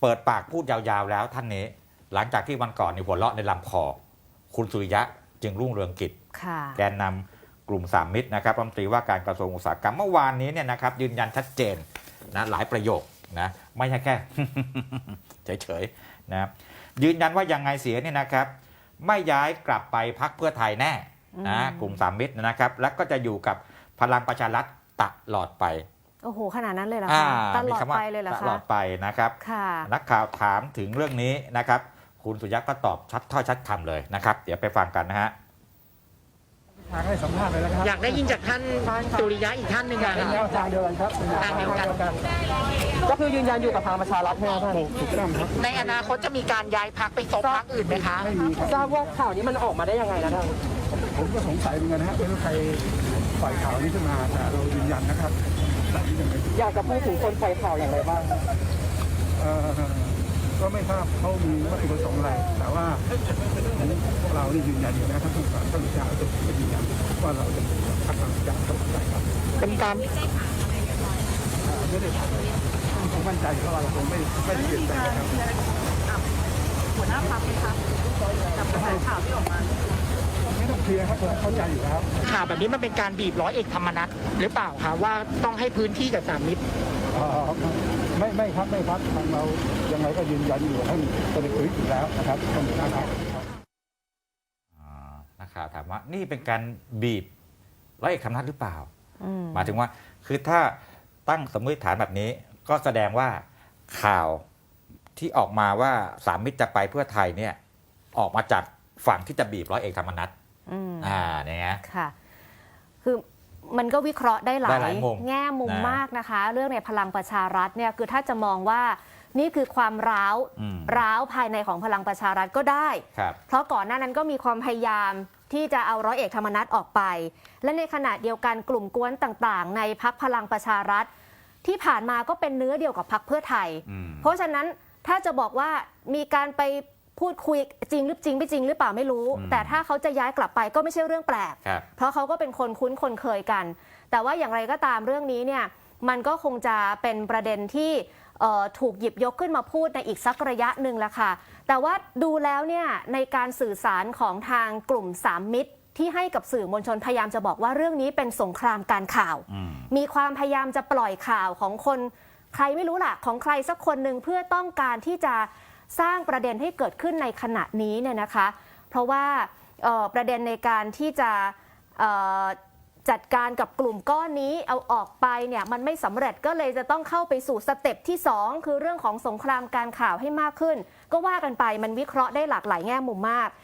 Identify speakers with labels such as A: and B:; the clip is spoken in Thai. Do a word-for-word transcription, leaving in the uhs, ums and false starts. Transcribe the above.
A: เปิดปากพูดยาวๆแล้วท่านนี้หลังจากที่วันก่อนนี่หัวเราะในลำคอคุณสุริยะจึงรุ่งเรืองกิจแกนนำกลุ่มสามมิตรนะครับรัฐมนตรีว่าการกระทรวงอุตสาหกรรมเมื่อวานนี้เนี่ยนะครับยืนยันชัดเจนนะหลายประโยคนะไม่ใช่แค่ เฉยๆนะยืนยันว่ายังไงเสียเนี่ยนะครับไม่ย้ายกลับไปพรรคเพื่อไทยแน่นะกลุ่มสามมิตรนะครับแล้วก็จะอยู่กับพลังประชารัฐตลอดไป
B: โอ้โหขนาดนั้นเลยเหรอคะตลอดไปเลยเหรอคะ
A: ตลอดไปนะครับนักข่าวถามถึงเรื่องนี้นะครับคุณสุริยะก็ตอบชัดถ้อยชัดคำเลยนะครับเดี๋ยวไปฟังกันนะฮะ
C: ให้สัมภาษณ์เลยนะครับ
D: อยากได้ยินจากท่านสุริยะอีกท่านหนึ่งอะครับ
C: แนวทางเดียวกันครับ
D: ทางเดียวกัน
C: ก็คือยืนยันอยู่กับพลังประชารัฐใช่ไหมท่านถูกต้องครับ
D: ในอนาคตจะมีการย้ายพรรคไปซบพรรคอื่นไหมคะ
C: ไม่มีครับทราบว่าข่าวนี้มันออกมาได้ยังไงนะท่านผมก็สงสัยเหมือนกันนะฮะไม่รู้ใครปล่อยข่าวนี้ขึ้นมาแต่เรายืนยันนะครับอยากจะพูดถึงคนปล่อยข่าวอย่างไรบ้างก็ไม่ทราบเขามีวัตถุประสงค์อะไรแต่ว่าเราได้ยืนยันอยู่นะครับทุกฝ่ายต้องจะจะยืนยันว่าเราจะพัฒนาอย่างต่อไปครับ
D: เป็นการ
C: ไม่ได้ผมมั่นใจเพราะเราคงไม่ไม่ได้เปลี่ยนแปลงครับ
E: หัวหน้าพรรคไหมครับกับกระแสข่าวที่ออกมา
C: ไม่ต้องเคลียร์ครับเข้าใจอยู่แล้ว
D: ข่าวแบบนี้มันเป็นการบีบร้อยเอกธรรมนัสหรือเปล่าคะว่าต้องให้พื้นที่กับสามมิตร
C: ไม่ไม่ครับไม่ครับทางเรายังไงก็ยืนยันอยู่ให้เป็นพื้นอยู่แล้วนะครับต้องมีนะครับ
A: นักข่าวถามว่านี่เป็นการบีบร้อยเอกธรรมนัสหรือเปล่าหมายถึงว่าคือถ้าตั้งสมมติฐานแบบนี้ก็แสดงว่าข่าวที่ออกมาว่าสามมิตรจะไปเพื่อไทยเนี่ยออกมาจากฝั่งที่จะบีบร้อยเอกธรรมนัสอ่าเนี่ย
B: ค่ะคือมันก็วิเคราะห์ได้หลายแง่มุม
A: นะ
B: มากนะคะเรื่องในพลังประชารัฐเนี่ยคือถ้าจะมองว่านี่คือความร้าวร้าวภายในของพลังประชารัฐก็ได้เพราะก่อนหน้านั้นก็มีความพยายามที่จะเอาร้อยเอกธรรมนัสออกไปและในขณะเดียวกันกลุ่มกวนต่างๆในพรรคพลังประชารัฐที่ผ่านมาก็เป็นเนื้อเดียวกับพรรคเพื่อไทยเพราะฉะนั้นถ้าจะบอกว่ามีการไปพูดคุยจริงหรือจริงไม่จริงหรือเปล่าไม่รู้แต่ถ้าเขาจะย้ายกลับไปก็ไม่ใช่เรื่องแปลกเพราะเขาก็เป็นคนคุ้นคนเคยกันแต่ว่าอย่างไรก็ตามเรื่องนี้เนี่ยมันก็คงจะเป็นประเด็นที่ถูกหยิบยกขึ้นมาพูดในอีกสักระยะหนึ่งละค่ะแต่ว่าดูแล้วเนี่ยในการสื่อสารของทางกลุ่มสามมิตรที่ให้กับสื่อมวลชนพยายามจะบอกว่าเรื่องนี้เป็นสงครามการข่าวมีความพยายามจะปล่อยข่าวของคนใครไม่รู้ล่ะของใครสักคนหนึ่งเพื่อต้องการที่จะสร้างประเด็นให้เกิดขึ้นในขณะนี้เนี่ยนะคะเพราะว่าประเด็นในการที่จะจัดการกับกลุ่มก้อนนี้เอาออกไปเนี่ยมันไม่สำเร็จก็เลยจะต้องเข้าไปสู่สเต็ปที่สองคือเรื่องของสงครามการข่าวให้มากขึ้นก็ว่ากันไปมันวิเคราะห์ได้หลากหลายแง่มุมมาก